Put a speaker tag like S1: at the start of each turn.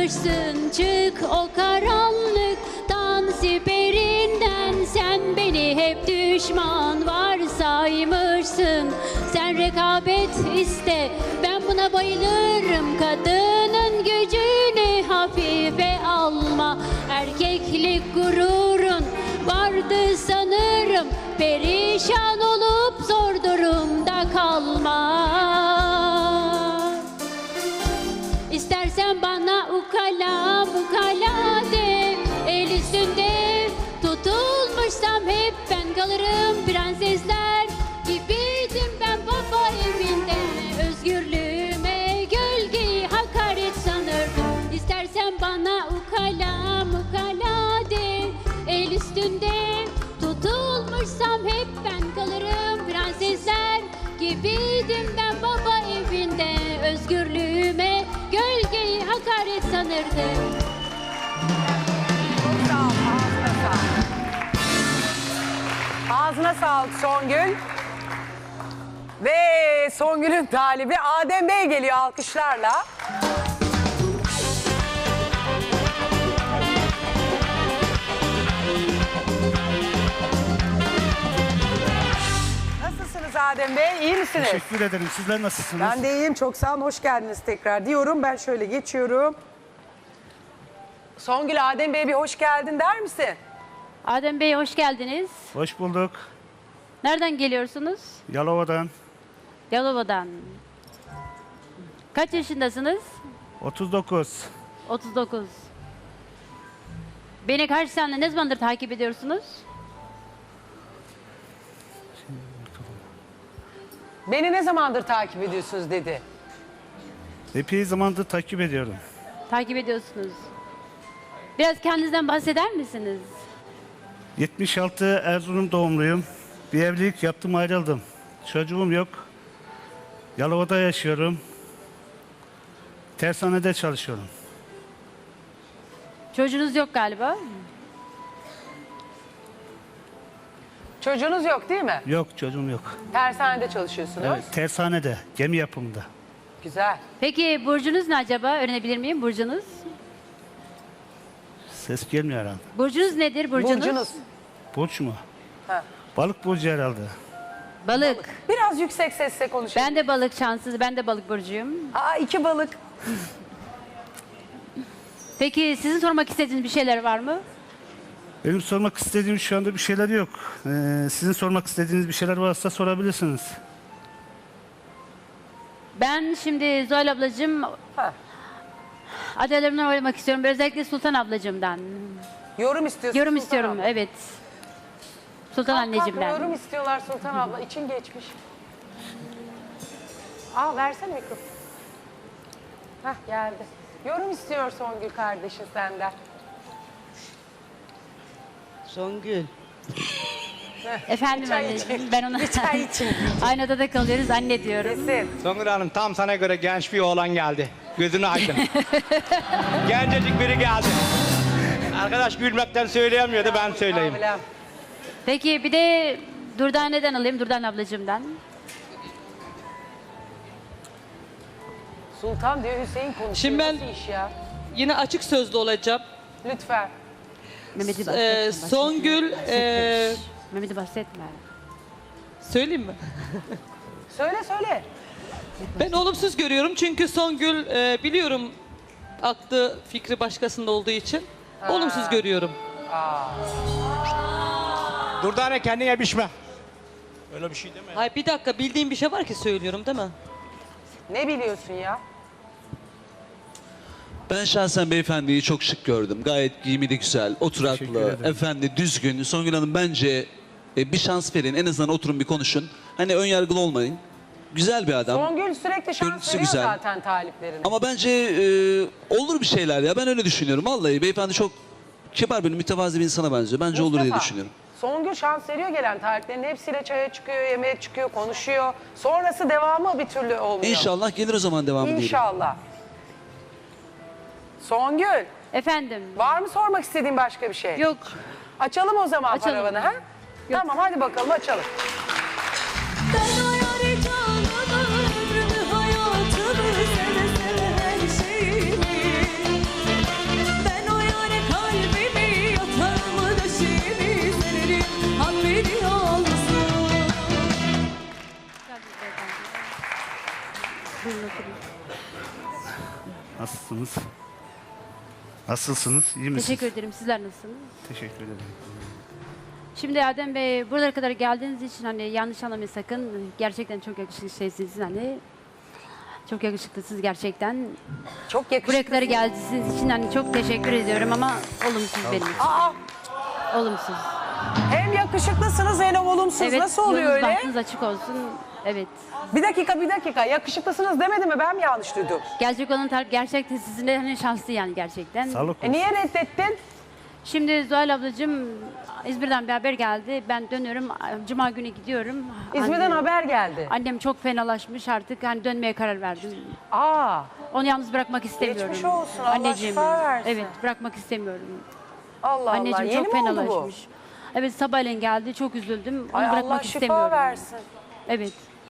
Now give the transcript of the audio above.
S1: saymışsın. Çık o karanlıktan, siperinden. Sen beni hep düşman varsaymışsın. Sen rekabet iste, ben buna bayılırım. Kadının gücünü hafife alma. Erkeklik gururun vardı sanırım. Perişan olup zor durumda kalma. İstersen bana ukala ukala de. El üstünde tutulmuşsam hep ben kalırım. Prensesler gibiydim ben baba evinde. Özgürlüğüme gölgeyi hakaret sanırdım. İstersen bana ukala ukala de. El üstünde tutulmuşsam hep ben kalırım. Prensesler gibiydim ben baba evinde. Özgürlüğüme gölgeyi hakaret sanırdım.
S2: Çok sağ ol, ağzına sağlık. Ağzına sağlık Songül. Ve Songül'ün talibi Adem Bey geliyor alkışlarla. Nasılsınız Adem Bey? İyi misiniz?
S3: Teşekkür ederim. Sizler nasılsınız?
S2: Ben de iyiyim. Çok sağ olun. Hoş geldiniz tekrar diyorum. Ben şöyle geçiyorum. Songül, Adem Bey bir hoş geldin der misin?
S1: Adem Bey hoş geldiniz.
S3: Hoş bulduk.
S1: Nereden geliyorsunuz?
S3: Yalova'dan
S1: Yalova'dan. Kaç yaşındasınız?
S3: 39.
S1: 39. Beni kaç sene, ne zamandır takip ediyorsunuz?
S2: Beni ne zamandır takip ediyorsunuz dedi.
S3: Epey zamandır takip ediyorum.
S1: Takip ediyorsunuz. Biraz kendinizden bahseder misiniz?
S3: 76 Erzurum doğumluyum. Bir evlilik yaptım, ayrıldım. Çocuğum yok. Yalova'da yaşıyorum. Tersanede çalışıyorum.
S1: Çocuğunuz yok galiba.
S2: Çocuğunuz yok değil mi?
S3: Yok, çocuğum yok.
S2: Tersanede çalışıyorsunuz.
S3: Evet, tersanede, gemi yapımında.
S2: Güzel.
S1: Peki burcunuz ne acaba? Öğrenebilir miyim burcunuz?
S3: Ses gelmiyor herhalde.
S1: Burcunuz nedir burcunuz?
S2: Burcunuz.
S3: Burç mu?
S2: Ha.
S3: Balık burcu herhalde.
S1: Balık.
S2: Biraz yüksek sesle konuşun.
S1: Ben de balık şanssız. Ben de balık burcuyum.
S2: Aa, 2 balık.
S1: Peki sizin sormak istediğiniz bir şeyler var mı?
S3: Benim sormak istediğim şu anda bir şeyler yok. Sizin sormak istediğiniz bir şeyler varsa sorabilirsiniz.
S1: Ben şimdi Zuhal ablacığım
S2: Ha.
S1: adaylarımdan oylamak istiyorum. Özellikle Sultan ablacığımdan.
S2: Yorum istiyorsun.
S1: Yorum
S2: Sultan
S1: istiyorum,
S2: abla.
S1: evet. Sultan
S2: Kalk,
S1: anneciğimden.
S2: yorum istiyorlar Sultan abla. İçin geçmiş. Al versene mikrofonu. Hah geldi. Yorum istiyor Songül kardeşin senden.
S4: Songül.
S1: Efendim
S2: çay
S1: anneciğim,
S2: için.
S1: ben ona
S2: Bir çay için.
S1: aynı odada kalıyoruz, anne diyorum.
S2: Kesin.
S5: Songül Hanım tam sana göre genç bir oğlan geldi. Gözünü aydın. Gencecik biri geldi. Arkadaş gülmekten söyleyemiyordu, ben söyleyeyim.
S2: Abilem.
S1: Peki bir de Durdane'den alayım, Durdan ablacığımdan.
S2: Sultan diyor Hüseyin konuşuyor.
S4: Şimdi ben-
S2: Nasıl iş ya?
S4: Yine açık sözlü olacağım.
S2: Lütfen.
S1: Mehmet'i bahsetme.
S4: Songül,
S1: Mehmet'i bahsetme.
S4: söyleyeyim mi?
S2: Söyle.
S4: Ben olumsuz görüyorum çünkü Songül biliyorum aklı fikri başkasında olduğu için olumsuz görüyorum.
S5: Durdane kendine biçme. Öyle bir şey deme.
S4: Hayır bir dakika bildiğim bir şey var ki söylüyorum değil mi?
S2: Ne biliyorsun ya?
S6: Ben şahsen beyefendiyi çok şık gördüm. Gayet giyimi de güzel,
S3: Teşekkür
S6: oturaklı,
S3: ederim.
S6: efendi, düzgün. Songül Hanım bence bir şans verin. En azından oturun bir konuşun. Hani ön yargılı olmayın. Güzel bir adam.
S2: Songül sürekli şans
S6: Görüntüsü
S2: veriyor
S6: güzel.
S2: zaten taliplerine.
S6: Ama bence olur bir şeyler ya. Ben öyle düşünüyorum. Vallahi beyefendi çok kibar bir, mütevazi bir insana benziyor. Bence olur diye
S2: Mustafa,
S6: düşünüyorum.
S2: Songül şans veriyor gelen taliplerinin hepsiyle çaya çıkıyor, yemeğe çıkıyor, konuşuyor. Sonrası devamı bir türlü olmuyor.
S6: İnşallah gelir o zaman devamı diyelim.
S2: İnşallah. Songül,
S1: Efendim.
S2: var mı sormak istediğin başka bir şey?
S1: Yok.
S2: Açalım o zaman
S1: Açalım.
S2: paravanı ha? Tamam hadi bakalım açalım.
S7: Ben o yâri canımı, ömrümü, hayatımı, seve seve her şeyimi
S3: Nasılsınız? Nasılsınız? İyi misiniz?
S1: Teşekkür ederim. Sizler nasılsınız?
S3: Teşekkür ederim.
S1: Şimdi Adem Bey buralara kadar geldiğiniz için hani yanlış anlamayın sakın. Gerçekten çok yakışıklı şeysiniz hani. Çok yakışıklısınız gerçekten.
S2: Çok
S1: Buraya
S2: yakışıklı.
S1: kadar geldiğiniz için hani çok teşekkür ediyorum ama olumsuz benim için.
S2: Aa,
S1: Olumsuz.
S2: hem yakışıklısınız hem olumsuz.
S1: Evet,
S2: Nasıl oluyor
S1: yolunuz
S2: öyle?
S1: bahtınız açık olsun. Evet.
S2: Bir dakika. Yakışıklısınız demedi mi? Ben mi yanlış duydum?
S1: Gelecek olan taraf gerçekten sizinle hani şanslı yani gerçekten.
S3: Sağlık olsun.
S2: Niye reddettin?
S1: Şimdi Zuhal ablacığım İzmir'den bir haber geldi. Ben dönüyorum. Cuma günü gidiyorum.
S2: İzmir'den
S1: Annem-
S2: haber geldi.
S1: Annem çok fenalaşmış artık. Hani dönmeye karar verdim.
S2: Aa,
S1: Onu yalnız bırakmak istemiyorum.
S2: Geçmiş olsun, Allah
S1: Anneciğim.
S2: şifa versin.
S1: Evet bırakmak istemiyorum.
S2: Allah
S1: Anneciğim
S2: Allah. Yeni
S1: çok
S2: mi oldu bu?
S1: fenalaşmış. Evet sabahleyin geldi. Çok üzüldüm. Onu
S2: Ay
S1: bırakmak
S2: Allah şifa
S1: istemiyorum.
S2: versin.
S1: Evet.